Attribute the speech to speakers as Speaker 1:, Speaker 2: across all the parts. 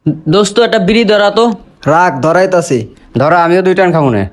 Speaker 1: দোস্ত একটা বিড়ি ধরা তো।
Speaker 2: রাখ ধরাইতাছি।
Speaker 3: ধরো আমিও 2 টান খাবো না।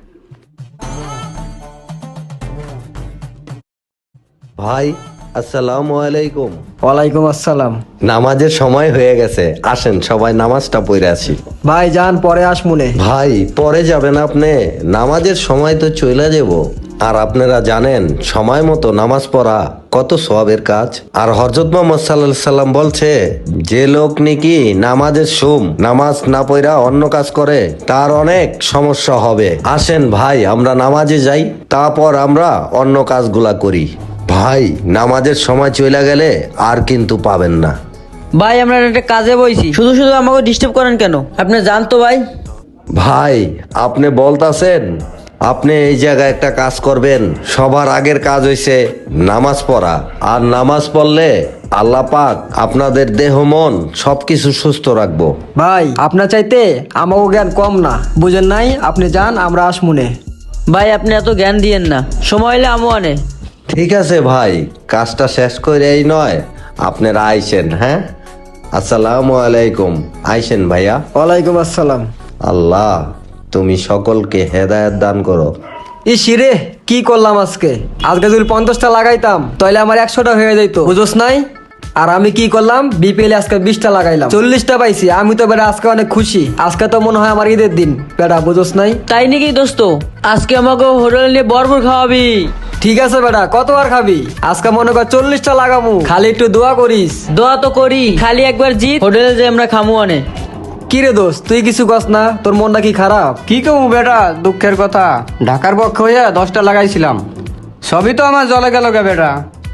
Speaker 4: ভাই আসসালামু আলাইকুম।
Speaker 2: ওয়ালাইকুম আসসালাম।
Speaker 4: নামাজের সময় হয়ে গেছে, আসেন সবাই নামাজটা পড়ে আসি।
Speaker 2: ভাই যান, পরে আসমুনে।
Speaker 4: ভাই পরে যাবেন আপনি? নামাজের সময় তো চলে যাব। আর আপনারা জানেন সময় মতো নামাজ পড়া কত সওয়াবের কাজ। আর হযরত মুহাম্মদ সাল্লাল্লাহু আলাইহি সাল্লাম বলছে, যে লোক নাকি নামাজের নামাজ না পড়া অন্য কাজ করে তার অনেক সমস্যা হবে। আসেন ভাই আমরা নামাজে যাই, তারপর আমরা অন্য কাজগুলা করি। ভাই নামাজের সময় চলে গেলে আর কিন্তু পাবেন না।
Speaker 1: ভাই আমরা একটা কাজে বইছি, শুধু শুধু আমাকে ডিস্টার্ব করেন কেন? আপনি জান তো ভাই।
Speaker 4: ভাই আপনি বলতাছেন আপনি এই জায়গায় একটা কাজ করবেন। সবার আগের কাজ হইছে নামাজ পড়া, আর নামাজ পড়লে আল্লাহ পাক আপনাদের দেহ মন সবকিছু সুস্থ রাখবো।
Speaker 2: ভাই আপনার চাইতে আমাকে জ্ঞান কম না, বুঝেন নাই? আপনি যান, আমরা আসমুনে।
Speaker 1: ভাই আপনি এত জ্ঞান দিয়েন না, সময় হলে আমও আনে।
Speaker 4: ঠিক আছে ভাই, কাজটা শেষ করে এই নয় আপনারা আইসেন। হ্যাঁ আসসালামু আলাইকুম। আইসেন ভাইয়া।
Speaker 2: ওয়ালাইকুম আসসালাম।
Speaker 4: আল্লাহ তুমি সকলকে হেদায়েত দান করো।
Speaker 2: ইসিরে কি করলাম আজকে? আজকে যদি 50টা লাগাইতাম তাহলে আমার 100টা হয়ে যেত, বুঝোস নাই? আর আমি কি করলাম, বিপিএল আজকে 20টা লাগাইলাম, 40টা পাইছি। আমি তো বেটা আজকে অনেক খুশি। আজকে তো মনে হয় আমার ঈদের দিন বেটা, বুঝোস নাই?
Speaker 1: তাই নাকি দোস্ত? আজকে আমাকে হোটেল নিয়ে ভরপুর খাওয়াবি।
Speaker 2: ঠিক আছে বেটা, কতবার খাবি? আজকে মনে কর 40টা লাগামু, খালি একটু দোয়া করিস।
Speaker 1: দোয়া তো করি, খালি একবার জিত হোটেলে যে আমরা খামু আনে।
Speaker 2: কি রে দোস্ত, তুই কিছু কস না? তোর মনটা কি খারাপ?
Speaker 3: কি কমু বেটা, দুঃখের কথা। ঢাকার পক্ষে হইয়া 10টা লাগাইছিলাম, সবই তো আমার জলে গেল গে বেটা।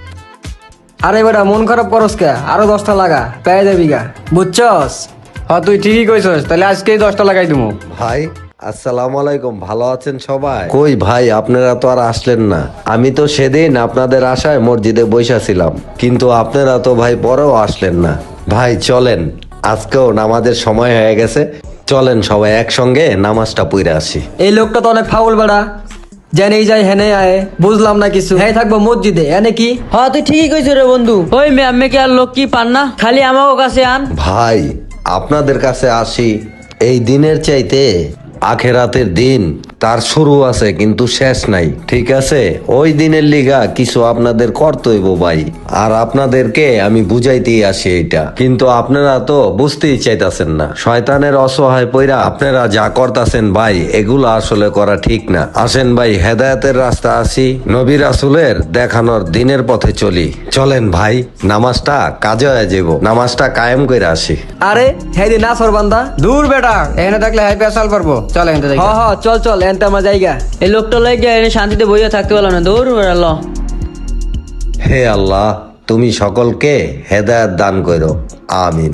Speaker 2: আরে বেটা মন খারাপ করস কে? আরো 10টা লাগা, পেয়ে যাবি গা, বুঝছস?
Speaker 3: তুই ঠিকই কইছস, তাহলে আজকেই 10টা লাগাই দিমু।
Speaker 4: ভাই আসসালামু আলাইকুম, ভালো আছেন সবাই? কই ভাই আপনারা তো আর আসলেন না। আমি তো সেদিন আপনাদের আশায় মসজিদে বইসা ছিলাম, কিন্তু আপনারা তো ভাই পরেও আসলেন না। ভাই চলেন, আজকেও নামাজের সময় হয়ে গেছে, চলেন সবাই একসঙ্গে নামাজটা পড়ে আসি।
Speaker 2: এই লোকটা তো অনেক ফাউল বেটা, জেনেই যায় হেনে আয়, বুঝলাম না কিছু। হ্যাঁ থাকবো মসজিদে, এনে কি?
Speaker 1: হ্যাঁ তুই ঠিকই কইছ রে বন্ধু। ওই ম্যামে কি আর লোক কি পান না, খালি আমাকে কাছে আন।
Speaker 4: ভাই আপনাদের কাছে আসি, এই দিনের চাইতে আখেরাতের দিন তার শুরু আছে কিন্তু শেষ নাই, ঠিক আছে? ওই দিনের লিগা কিছু আপনাদের কর্তব্য ভাই, আর আপনাদেরকে আমি বুঝাইতেই আসি এটা, কিন্তু আপনারা তো বুঝতেই চাইতাছেন না। শয়তানের অসহায় পইরা আপনারা যা করতাছেন ভাই, এগুলো আসলে করা ঠিক না। আসেন ভাই হেদায়েতের রাস্তা আসি, নবী রাসূলের দেখানোর দিনের পথে চলি। চলেন ভাই নামাজটা কাজে হয়ে যাব, নামাজটা কায়েম করে আসি।
Speaker 2: আরে হ্যাঁ দি না সরবান্দা।
Speaker 3: দূর বেটা, এখানে থাকলে হাই পেশাল পারবো। চল এখান থেকে।
Speaker 2: হ চল চল, এনতে আমার জায়গা।
Speaker 1: এই লোকটা লাগে এনে শান্তিতে বইয়া থাকতে পারলাম না, দৌড় বেড়াল।
Speaker 4: হে আল্লাহ তুমি সকলকে হেদায়েত দান করো, আমিন।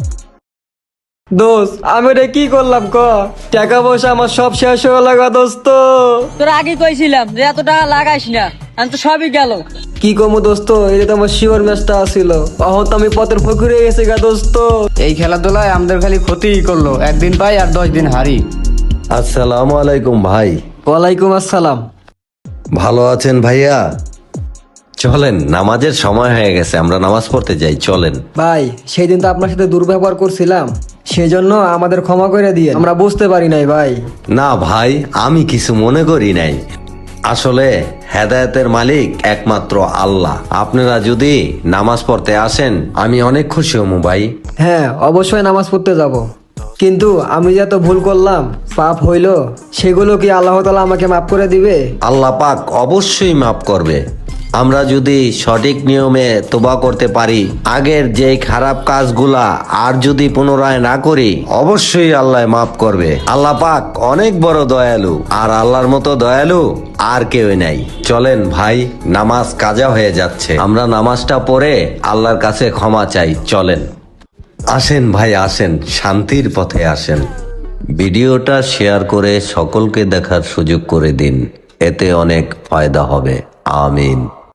Speaker 2: দোস্ত আমি রে কি করলাম ক? টাকা পয়সা আমার সব শেষ হয়ে লাগা দোস্ত।
Speaker 1: তোর আগে কইছিলাম যে এত টাকা লাগাইস না, আমি তো সবই গেল।
Speaker 2: কি কমু দোস্ত, এটা তো আমার শিওর ম্যাচটা আসিল, অহন তো আমি পথের ফকির হয়ে গেছে গা দোস্ত।
Speaker 3: এই খেলাধুলায় আমাদের খালি ক্ষতিই করলো, একদিন পাই আর 10 দিন হারি।
Speaker 4: আসসালামু আলাইকুম ভাই।
Speaker 2: ওয়ালাইকুম আসসালাম।
Speaker 4: ভালো আছেন ভাইয়া? চলেন নামাজের সময় হয়ে গেছে, আমরা নামাজ পড়তে যাই, চলেন।
Speaker 2: ভাই সেই দিন তো আপনার সাথে দুর্ব্যবহার করছিলাম, সেজন্য আমাদের ক্ষমা করে দিয়ে, আমরা বুঝতে পারি নাই ভাই।
Speaker 4: না ভাই আমি কিছু মনে করি নাই, আসলে হেদায়েতের মালিক একমাত্র আল্লাহ। আপনারা যদি নামাজ পড়তে আসেন আমি অনেক খুশি হমু ভাই।
Speaker 2: হ্যাঁ অবশ্যই নামাজ পড়তে যাব, কিন্তু আমি যে এত ভুল করলাম, পাপ হইল, সেগুলো কি আল্লাহ তাআলা আমাকে মাফ করে দিবে?
Speaker 4: আল্লাহ পাক অবশ্যই মাফ করবে, আমরা যদি সঠিক নিয়মে তোবা করতে পারি, আগের যে খারাপ কাজগুলা আর যদি পুনরায় না করি, অবশ্যই আল্লাহ মাফ করবে। আল্লাহ পাক অনেক বড় দয়ালু, আর আল্লাহর মতো দয়ালু আর কেউ নাই। চলেন ভাই নামাজ কাজা হয়ে যাচ্ছে, আমরা নামাজটা পড়ে আল্লাহর কাছে ক্ষমা চাই। চলেন আসেন ভাই আসেন, শান্তির পথে আসেন। ভিডিওটা শেয়ার করে সকলকে দেখার সুযোগ করে দিন, এতে অনেক ফায়দা হবে। আমিন।